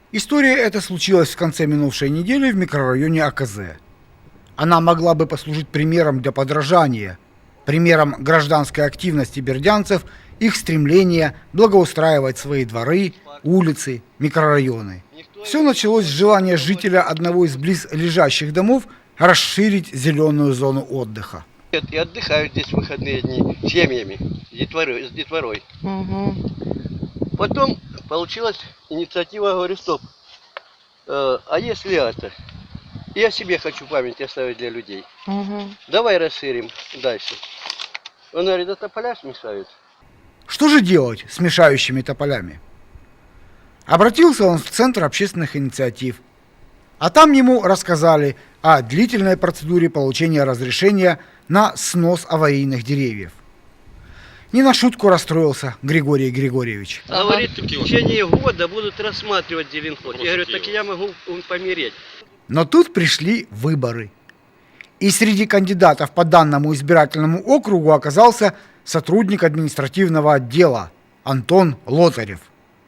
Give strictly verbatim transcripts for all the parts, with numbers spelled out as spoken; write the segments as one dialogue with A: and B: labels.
A: История эта случилась в конце минувшей недели в микрорайоне АКЗ. Она могла бы послужить примером для подражания, примером гражданской активности бердянцев, их стремления благоустраивать свои дворы, улицы, микрорайоны. Все началось с желания жителя одного из близлежащих домов расширить зеленую зону отдыха.
B: И отдыхают здесь в выходные дни с семьями, с детворой. С детворой.
C: Угу.
B: Потом получилась инициатива, говорю, стоп, э, а если это? Я себе хочу память оставить для людей.
C: Угу.
B: Давай расширим дальше. Он говорит, это поля смешают.
A: Что же делать с мешающими тополями? Обратился он в Центр общественных инициатив, а там ему рассказали о длительной процедуре получения разрешения на снос аварийных деревьев. Не на шутку расстроился Григорий Григорьевич.
B: Ага. Говорит, в течение года будут рассматривать зеленход. Я говорю, так я могу помереть.
A: Но тут пришли выборы. И среди кандидатов по данному избирательному округу оказался сотрудник административного отдела Антон Лотарев.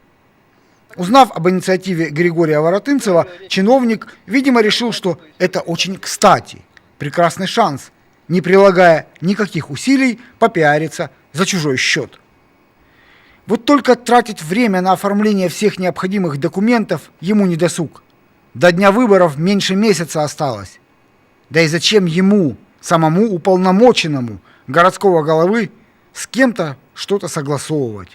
A: Узнав об инициативе Григория Воротынцева, чиновник, видимо, решил, что это очень кстати, прекрасный шанс, не прилагая никаких усилий, попиариться за чужой счет. Вот только тратить время на оформление всех необходимых документов ему не досуг. До дня выборов меньше месяца осталось. Да и зачем ему, самому уполномоченному городского головы, с кем-то что-то согласовывать?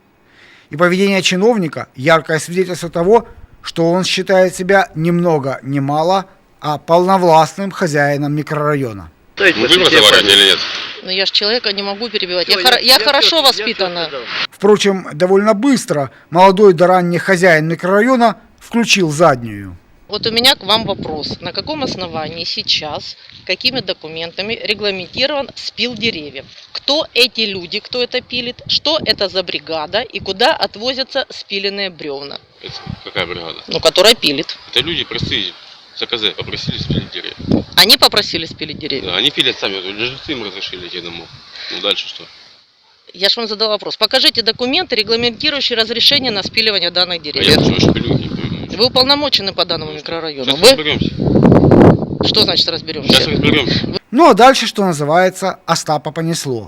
A: И поведение чиновника – яркое свидетельство того, что он считает себя ни много ни мало, а полновластным хозяином микрорайона.
D: Вы разговариваете или нет?
C: Но я же человека не могу перебивать.
B: Все,
C: я, я, я, я хорошо
B: все,
C: воспитана.
B: я
A: Впрочем, довольно быстро молодой да ранний хозяин микрорайона включил заднюю.
C: Вот у меня к вам вопрос. На каком основании сейчас, какими документами регламентирован спил деревьев? Кто эти люди, кто это пилит? Что это за бригада и куда отвозятся спиленные бревна?
D: Это какая бригада?
C: Ну, которая пилит.
D: Это люди простые, с АКЗ попросили спилить деревья.
C: Они попросили спилить деревья?
D: Да, они пилят сами, жильцы им разрешили идти домой. Ну дальше что?
C: Я же вам задала вопрос. Покажите документы, регламентирующие разрешение на спиливание данных
D: А
C: деревьев.
D: я что пилю, не пойму.
C: Вы уполномочены по данному микрорайону.
D: Сейчас
C: Вы?
D: разберемся.
C: Что значит разберемся?
D: Сейчас разберемся.
A: Ну а дальше, что называется, Остапа понесло.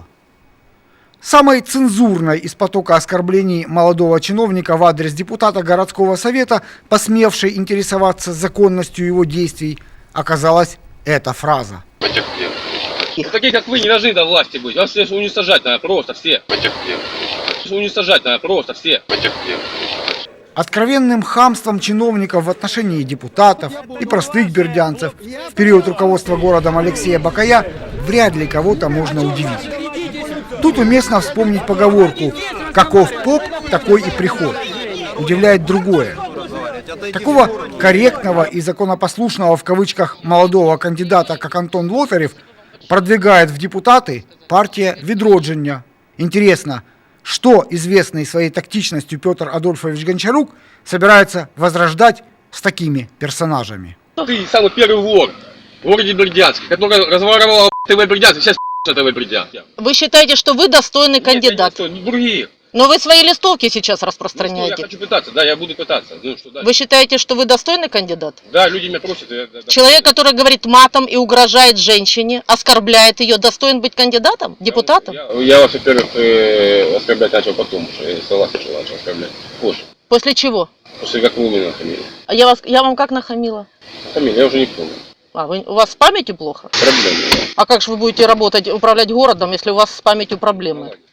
A: Самой цензурной из потока оскорблений молодого чиновника в адрес депутата городского совета, посмевшей интересоваться законностью его действий, оказалась эта фраза.
D: Потерпел.
E: Ну, такие, как вы, не должны до власти быть. Вас всех уничтожать надо просто все.
D: Потерпел.
E: Уничтожать надо просто все.
D: Потерпел.
A: Откровенным хамством чиновников в отношении депутатов и простых бердянцев в период руководства городом Алексея Бакая вряд ли кого-то можно удивить. Тут уместно вспомнить поговорку «каков поп, такой и приход». Удивляет другое. Такого корректного и законопослушного в кавычках молодого кандидата, как Антон Лотарев, продвигает в депутаты партия Відродження. Интересно, что известный своей тактичностью Петр Адольфович Гончарук собирается возрождать с такими персонажами?
E: Ты самый первый вор в городе Бердянске, который разворовал ТВ Бердянск, сейчас ТВ Бердянск.
C: Вы считаете, что вы достойный кандидат?
E: Нет, другие.
C: Но вы свои листовки сейчас
E: Ну, что, я
C: распространяете.
E: хочу пытаться, да, я буду пытаться. Ну, что дальше?
C: Вы считаете, что вы достойный кандидат?
E: Да, люди меня просят. Я, да, да.
C: Человек, который говорит матом и угрожает женщине, оскорбляет ее, достоин быть кандидатом, депутатом?
E: Я, я вас, во-первых, э, оскорблять начал потом, что я со вас начал, начал оскорблять. Позже.
C: После чего?
E: После как вы меня нахамили.
C: А я, вас, я вам как нахамила?
E: Нахамили, я уже не помню.
C: А, вы, у вас с памятью плохо?
E: Проблемы, да.
C: А как же вы будете работать, управлять городом, если у вас с памятью проблемы?